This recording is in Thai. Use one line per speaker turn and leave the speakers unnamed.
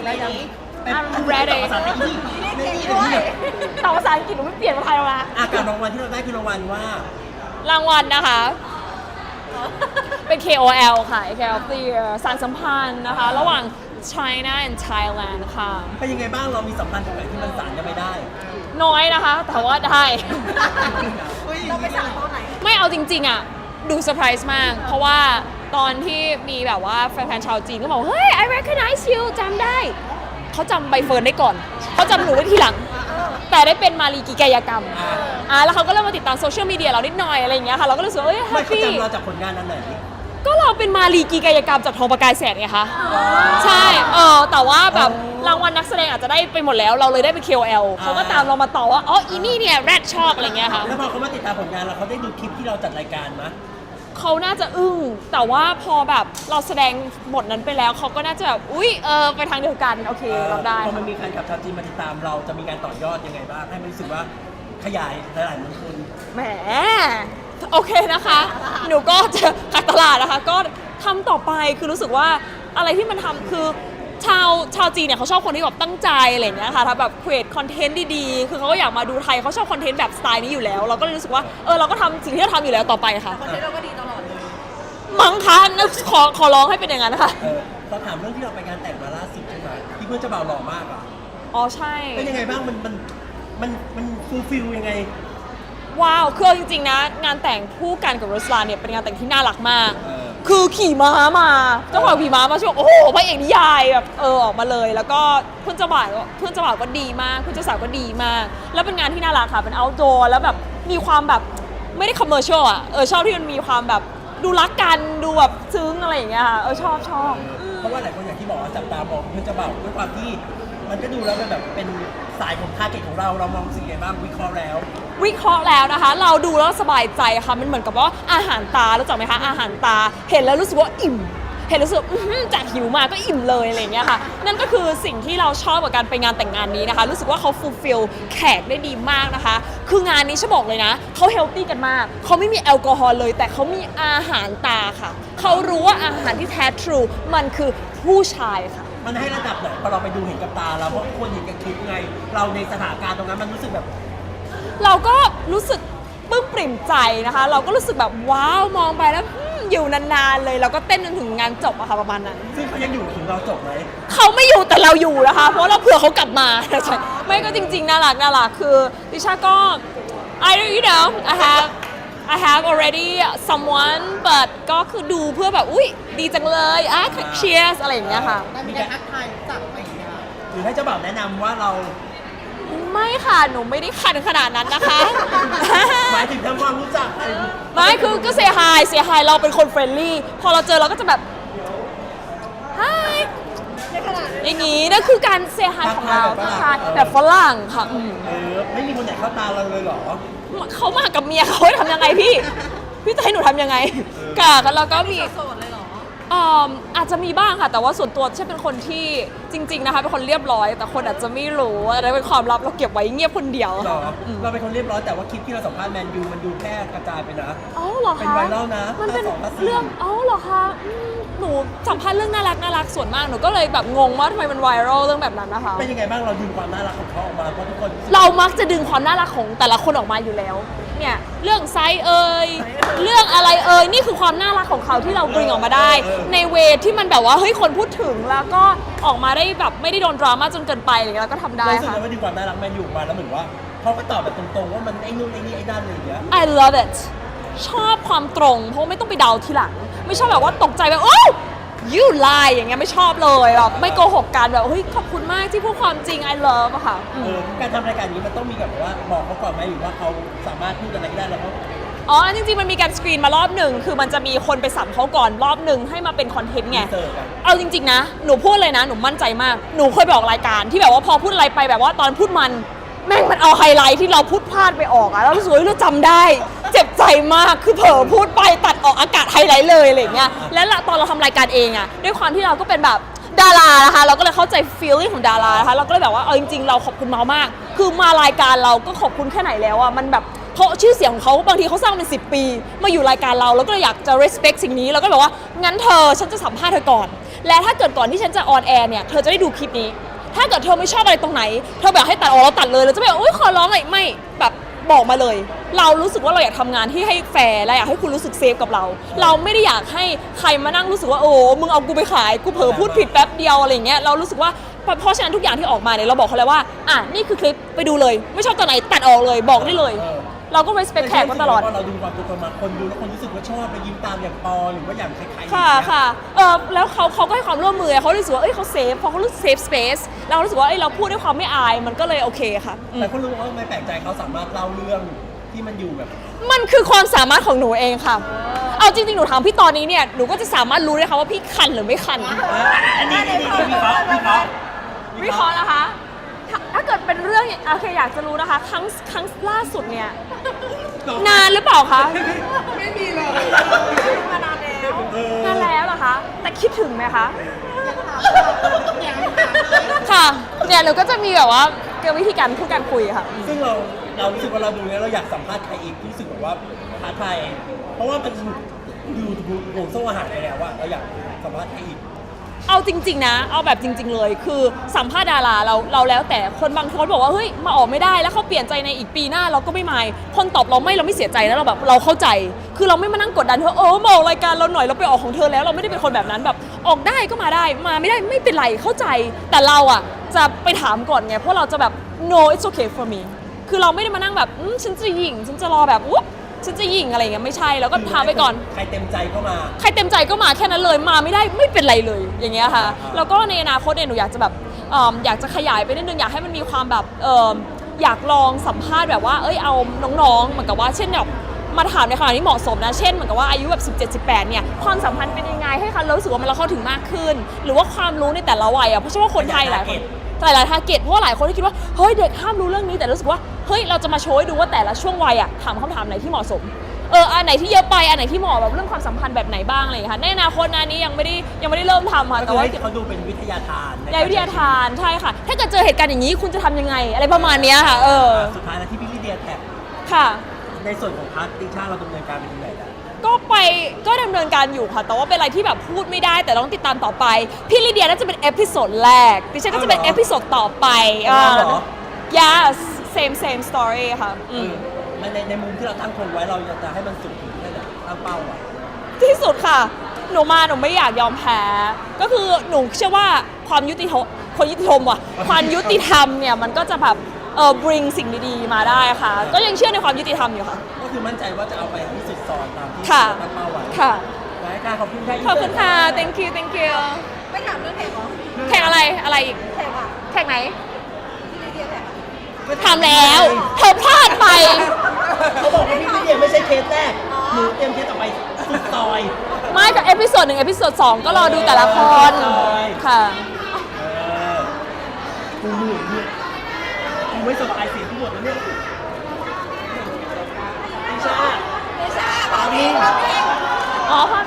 แล้วยัง
I'm ready
ภาษาไทยนี่
แต่ภาษาอังกฤษหนูไม่เปลี่ยนมาไทยแล้วนะ
การรางวัลที่เราได้คือรางวัลว่าร
างวัลนะคะ เป็น KOL ค่ะ KOL of the Year สารสัมพันธ์นะคะ ระหว่าง China and Thailand ค่ะ
เป็นยังไงบ้างเรามีสัมพันธ์ตรงไหนที่มันสานกันไม่ได้
น้อยนะคะ แต่ว่าได้
เราไปสั่งตอนไหน
ไม่เอาจริงๆอ่ะ ดูเซอร์ไพรส์มาก เพราะว่าตอนที่มีแบบว่าแฟนๆชาวจีนก็บอกเฮ้ย I recognize you จำได้ เขาจำใบเฟิร์นได้ก่อน เขาจำหนูได้ทีหลัง แต่ได้เป็นมารีกีกายกรรม แล้วเขาก็เริ่มมาติดตามโซเชียลมีเดียเรานิดหน่อยอะไรอย่างเงี้ยค่ะ เราก็รู้สึกว่าเอ้ยแฮ
ไม่
ป
เขา
ปี้
จำเราจากผลงานนั้นไหน
ก็เราเป็นมารีกีกายกรรมจากทองประกายแสงไงคะ ใช่ แต่ว่าแบบรางวัลนักแสดงอาจจะได้ไปหมดแล้ว เราเลยได้ไป KOL เขาก็ตามเรามาต่อว่า อ๋อ อีนี่เนี่ยแรดชอบอะไรเงี้ยค่ะ
แล้วพอเขามาติดตามผลงานเราเขาได้ดูคลิปที่เราจัดรายการมั้ย
เขาน่าจะอึ้ง แต่ว่าพอแบบเราแสดงบทนั้นไปแล้ว เขาก็น่าจะแบบ อุ๊ย ไปทางเดียวกัน โอเคเราได้
พอมันมีแฟนคลับชาวจีนมาติดตามเราจะมีการต่อยอดยังไงบ้างให้มันรู้สึกว่าขยายหลายๆมณฑล
แหม โอเคนะคะ หนูก็จะขายตลาดนะคะ ก็ทำต่อไป คือรู้สึกว่าอะไรที่มันทำคือชาวจีนเนี่ยเขาชอบคนที่แบบตั้งใจอะไรอย่างเงี้ยค่ะทำแบบ create content ดีๆ คือเขาก็อยากมาดูไทยเขาชอบคอนเทนต์แบบสไตล์นี้อยู่แล้ว เราก็เลยรู้สึกว่า เราก็ทำสิ่งที่เราทำอยู่แล้วต่อไปค่ะ
คนนี้เราก็ดีตลอดเลย
มั้งคะนึกขอร้องให้เป็นอย่างนั้นนะคะ
เราถามเรื่องที่เราไปงานแต่งมาล่าสุดใช่ไหมที่เพื่อนเจ้าบ่าวหล่อมากอ่ะ
อ๋อใช่
เป็นยังไงบ้างมันฟูลฟิลยังไง
ว้าวคือเอาจริงๆนะ งานแต่งคู่กันกับรุสลานเนี่ยเป็นงานแต่งที่น่ารักมาก คือขี่ม้ามาเจ้าบ่าวขี่ม้ามาช่วงโอ้โหพระเอกนิยายแบบออกมาเลย แล้วก็เพื่อนเจ้าบ่าวก็ดีมากเพื่อนเจ้าสาวก็ดีมาก แล้วเป็นงานที่น่ารักค่ะเป็น outdoor แล้วแบบมีความแบบไม่ได้ commercial อ่ะชอบที่มันมีความแบบดูรักกันดูแบบซึ้งอะไรอย่างเงี้ยค่ะชอบ
เพราะว่าหลายคนอย่างที่บอกว่าจับตามองเพื่อนเจ้าบ่าวด้วยความที่มันก็ดูแล้วมันแบบเป็นสายของทาร์เก็ตของเรามองสิ่งใดบ้างวิเคราะห์แล้ว
วิเคราะห์แล้วนะคะ เราดูแล้วสบายใจค่ะมันเหมือนกับว่าอาหารตารู้จักไหมคะอาหารตาเห็นแล้วรู้สึกว่าอิ่ม เห็นรู้สึกจากหิวมาก็อิ่มเลยอะไรอย่างเงี้ยค่ะนั่นก็คือสิ่งที่เราชอบกับการไปงานแต่งงานนี้นะคะรู้สึกว่าเขาฟูลฟิลแขกได้ดีมากนะคะคืองานนี้ฉันบอกเลยนะเขาเฮลตี้กันมากเขาไม่มีแอลกอฮอล์เลยแต่เขามีอาหารตาค่ะเขารู้ว่าอาหารที่แท้ทรูมันคือผู้ชายค่ะ
มันให้ระดับไหนพอเราไปดูเห็นกับตาเราเพราะคนเห็นกับคลิปไง เราในสถานการณ์ตรงนั้นมันรู้สึกแบบ
เราก็รู้สึกปลื้มปริ่มใจนะคะ เราก็รู้สึกแบบว้าวมองไปแล้วอยู่นานๆเลยเราก็เต้นจนถึงงานจบอะค่ะประมาณนั้น
ซึ่งเขายังอยู่ถึงเราจบไหม
เขาไม่อยู่แต่เราอยู่นะคะ เพราะเราเผื่อเขากลับมาใช่ไม่ก็จริงๆน่ารักคือดิฉันก็ you know I have already someone but ก็คือดูเพื่อแบบอุ๊ยดีจังเลยcheers อะไรอย่างเงี้ยค่ะ
มีการทักทายจับอะไรอย่างเงี้ย
หรือให้เจ้าบ่าวแนะนำว่าเรา
ไม่ค่ะหนูไม่ได้ขันขนาดนั้นนะคะ
หมายถึงทำความรู้จักอะไร
ไม่คือก็เสียหายเราเป็นคนเฟรนลี่พอเราเจอเราก็จะแบบ hi อย่างงี้นั่นคือการเสียหายของเราทักทายแบบฝรั่งค่ะ
ไม่มีคนไหนเข้าตาเราเลยเหรอ
เขามากับเมียเขาให้ทำยังไงพี่จะให้หนูทำยังไงกะแล้วก็มี
โสดเลยเหรอ
อาจจะมีบ้างค่ะ แต่ว่าส่วนตัวใช่เป็นคนที่จริงๆนะคะเป็นคนเรียบร้อย แต่คนอาจจะไม่รู้อะไรเป็นความลับเราเก็บไว้เงียบคนเดียว
หรอเราเป็นคนเรียบร้อยแต่ว่าคลิปที่เราสัมภาษณ์แมนยูมันดูแพร่กระจายไปนะ
อ๋อเหรอคะ
เป็นไวรัลนะ
มันเป็น
ภาค 2
เรื่องอ๋อเหรอคะหนูสัมภาษณ์เรื่องน่ารักส่วนมากหนูก็เลยแบบงงว่าทำไมมันไวรัลเรื่องแบบนั้นนะคะ
เป็นยังไงบ้างเราดึงความน่ารักของเขาออกมาเพราะทุกคน
เรามักจะดึงความน่ารักของแต่ละคนออกมาอยู่แล้วเนี่ยเรื่องไซส์เรื่องอะไรนี่คือความน่ารักของเขาที่เราดึงออกมาได้ ในเวที่มันแบบว่าเฮ้ยคนพูดถึงแล้วก็ออกมาได้แบบไม่ได้โดนดราม่าจนเกินไปอะไรเงี้ยแล้วก็ทำได้
รู้สึก
ค่ะ
ว่าดึงความน่ารักแมนยูออกมาแล้วเหมือนว่าเขาก็ตอบแบบตรงๆว่ามันไอ้นู่นไอ้นี่ไอ้นั่นอะไรอย่างเงี้ย
I love it ชอบความตรงเพราะไม่ต้องไปเดาทีหลัง ไม่ชอบแบบว่าตกใจแบบโอ้ you lie อย่างเงี้ยไม่ชอบเลยแบบไม่โกหกกันแบบเฮ้ยขอบคุณมากที่พูดความจริง I love อะค่ะ
การทำรายการนี้มันต้องมีแบบว่าบอกเขาก่อนไหมหรือว่าเขาสามารถพูดอะไรก็ได้แล้วเขา
อ๋อจริงๆมันมีการสกรีนมารอบหนึ่งคือมันจะมีคนไปสัมเขาก่อนรอบหนึ่งให้มาเป็นคอนเทนต์ไง
เสิร์ฟกัน
เอาจริงๆนะหนูพูดเลยนะหนูมั่นใจมากหนูเคยไปออกรายการที่แบบว่าพอพูดอะไรไปแบบว่าตอนพูดมันแม่งมันเอาไฮไลท์ที่เราพูดพลาดไปออกอะแล้วรู้สึกว่าเราจำได้เจ็บใจมากคือเผลอพูดไปตัดออกอากาศไฮไลท์เลยอะไรอย่างเงี้ยแล้วตอนเราทำรายการเองอะด้วยความที่เราก็เป็นแบบดารานะคะเราก็เลยเข้าใจ feeling ของดารานะคะเราก็เลยแบบว่าเอาจริงๆเราขอบคุณเมามากคือมารายการเราก็ขอบคุณแค่ไหนแล้วอะมันแบบเพราะชื่อเสียงของเขาบางทีเขาสร้างเป็น10 ปีมาอยู่รายการเราแล้วก็เลยอยากจะ respect สิ่งนี้แล้วก็เลยบอกว่างั้นเธอฉันจะสัมภาษณ์เธอก่อนและถ้าเกิดก่อนที่ฉันจะออนแอร์เนี่ยเธอจะได้ดูคลิปนี้ ถ้าเกิดเธอไม่ชอบอะไรตรงไหนเธอแบบให้ตัดออกเราตัดเลยเราจะไม่แบบอุ้ยขอร้องเลยไม่แบบบอกมาเลย เรารู้สึกว่าเราอยากทำงานที่ให้แฟร์และอยากให้คุณรู้สึกเซฟกับเรา เราไม่ได้อยากให้ใครมานั่งรู้สึกว่าโอ้มึงเอากูไปขายกูเผลอพูดผิดแป๊บเดียวอะไรเงี้ยเรารู้สึกว่าเพราะฉะนั้นทุกอย่างที่ออกมาเนี่ยเราบอกเขาเลยว่าอ่ะนี่คือคลิปไปดูเลยไม่ชอบตอนไหนตัดออกเลยบอกได้เลย เราก็ respect แขกมาตลอด
เราดูความเป็นคนมาคนดูแล้วคนรู้สึกว่าชอบไปยิ้มตามอย่างปอหรือว่าอย่างใครๆ
ค่ะค่ะแล้วเขาก็ให้ความร่วมมือเขารู้สึกว่าเขาเซฟพอเขารู้สึกเซฟสเปซเรารู้สึกว่าเราพูดด้วยความไม่อายมันก็เลยโอเคค่ะ
แต่ก็รู้ว่าไม่แปลกใจเขาสามารถเล่าเรื่องที่มันอยู่แบบ
มันคือความสามารถของหนูเองค่ะเอาจริงๆหนูถามพี่ตอนนี้เนี่ยหนูก็จะสามารถรู้เลยค่ะว่าพี่คันหรือไม่คัน
อันนี้วิเคราะห์
วิเคราะห์นะคะถ้าเกิดเป็นเรื่องโอเคอยากจะรู้นะคะครั้งล่าสุดเนี่ยนานหรือเปล่าคะ
ไม่มีเลยมานานแล้ว
นานแล้วเหรอคะแต่คิดถึงไหมคะ
ยังถามเลย
ค่ะเนี่ยหนูก็จะมีแบบว่าวิธีการพูดการคุยค่ะ
ซึ่งเรารู้สึกว่าเราดูแล้วเราอยากสัมภาษณ์ใครอีกที่รู้สึกแบบว่าท้าทายเพราะว่ามันอยู่ห่วงโซ่อาหารไปแล้วว่าเราอยากสัมภาษณ์ใครอีก
เอาจริงๆนะเอาแบบจริง ๆเลยคือสัมภาษณ์ดาราเราแล้วแต่คนบางคนบอกว่าเฮ้ยมาออกไม่ได้แล้วเขาเปลี่ยนใจในอีกปีหน้าเราก็ไม่มายคนตอบเราไม่เสียใจนะเราแบบเราเข้าใจ คือเราไม่มานั่งกดดันเธอมาออกรายการเราหน่อยเราไปออกของเธอแล้วเราไม่ได้เป็นคนแบบนั้นแบบออกได้ก็มาได้มาไม่ได้ไม่เป็นไรเข้าใจ แต่เราอ่ะจะไปถามก่อนไงเพราะเราจะแบบ no it's okay for me คือเราไม่ได้มานั่งแบบฉันจะหยิ่งฉันจะรอแบบอุ๊บฉันจะหยิ่งอะไรเงี้ยไม่ใช่แล้วก็ถามไปก่อน
ใครเต็มใจก็มา
ใครเต็มใจก็มาแค่นั้นเลยมาไม่ได้ไม่เป็นไรเลยอย่างเงี้ยค่ะแล้วก็ในอนาคตเนี่ยหนูอยากจะแบบอยากจะขยายไปนิดนึงอยากให้มันมีความแบบอยากลองสัมภาษณ์แบบว่าเอาน้องๆเหมือนกับว่าเช่นแบบมาถามในขณะที่เหมาะสมนะเช่นเหมือนกับว่าอายุแบบ17-18เนี่ยความสัมพันธ์เป็นยังไงให้เขารู้สึกว่ามันเราเข้าถึงมากขึ้น หรือว่าความรู้ในแต่ละวัยเพราะเชื่อว่าคนไทยหลายคนหลายทาร์เก็ตเพราะว่าหลายคนที่คิดว่าเฮ้ยเด็กห้ามรู้เรื่องนี้แต่รู้สึกว่าเฮ้ยเราจะมาโชว์ให้ดูว่าแต่ละช่วงวัยถามคำถามไหนที่เหมาะสมอันไหนที่เยอะไปอันไหนที่เหมาะแบบเรื่องความสัมพันธ์แบบไหนบ้างอะไรอย่างเงี้ยค่ะในอนาคตนี้ยังไม่ได้เริ่มทำค่ะ
แต่
แต่
ว่า
ว่า
เขาดูเป็นวิทยาทาน
วิทยาทานใช่ค่ะถ้าเกิดเจอเหตุการณ์อย่างนี้คุณจะทำยังไงอะไรประมาณเนี้ยค่ะ
สุดท้ายแล้วที่พี่ลิเดียแท็ก
ค่ะ
ในส่วนของพาร์ทติชาเราดำเนินการเป็นยังไงล่ะ
ก็ดำเนินการอยู่ค่ะแต่ว่าเป็นอะไรที่แบบพูดไม่ได้แต่ต้องติดตามต่อไปพี่ลิเดียน่าจะเป็นเอพิโซดแรกดิฉันก็จะเป็นเอพิโซดต่อไปyes same story ค่ะ
ในมุมที่เราตั้งคงไว้เราจะให้มันสุดถึงแค่ไหนตั้งเป้าไว้
ที่สุดค่ะหนูไม่อยากยอมแพ้ก็คือหนูเชื่อว่าความยุติธรรมความยุติธรรมเนี่ยมันก็จะแบบbring สิ่งดีๆมาได้ค่ะก็ยังเชื่อในความยุติธรรมอยู่ค่ะ
ก็คือมั่นใจว่าจะเอาไปที่สุดซอนตามที่
ค่ะ
ตั้งเป้าไว้
ค่ะ
รายการขอบคุณค่ะ
ขอบคุณค่ะ thank you
ไม่ถามเรื่องแข่งเหรอ
แข่งอะไรอีก
แข่งอ่ะ
แข่งไหน
ที่ลิเดียแข่ง
ทำแล้วเธอพลาดไป
เขาบอกว่าพี่ลิเดียไม่ใช่เคสแรกหนูเตรียมเคสต่อไปสุดซอย
ไม่กับเอพิโซด1เอพิโซด2ก็รอดูแต่ละคน ค่ะ
กูเหนื่อยเนี่ยกูไม่สบายเสียงกูหมดแล้วเนี่ยติชา
ไม่ใช่
ปามิง
อ๋อพา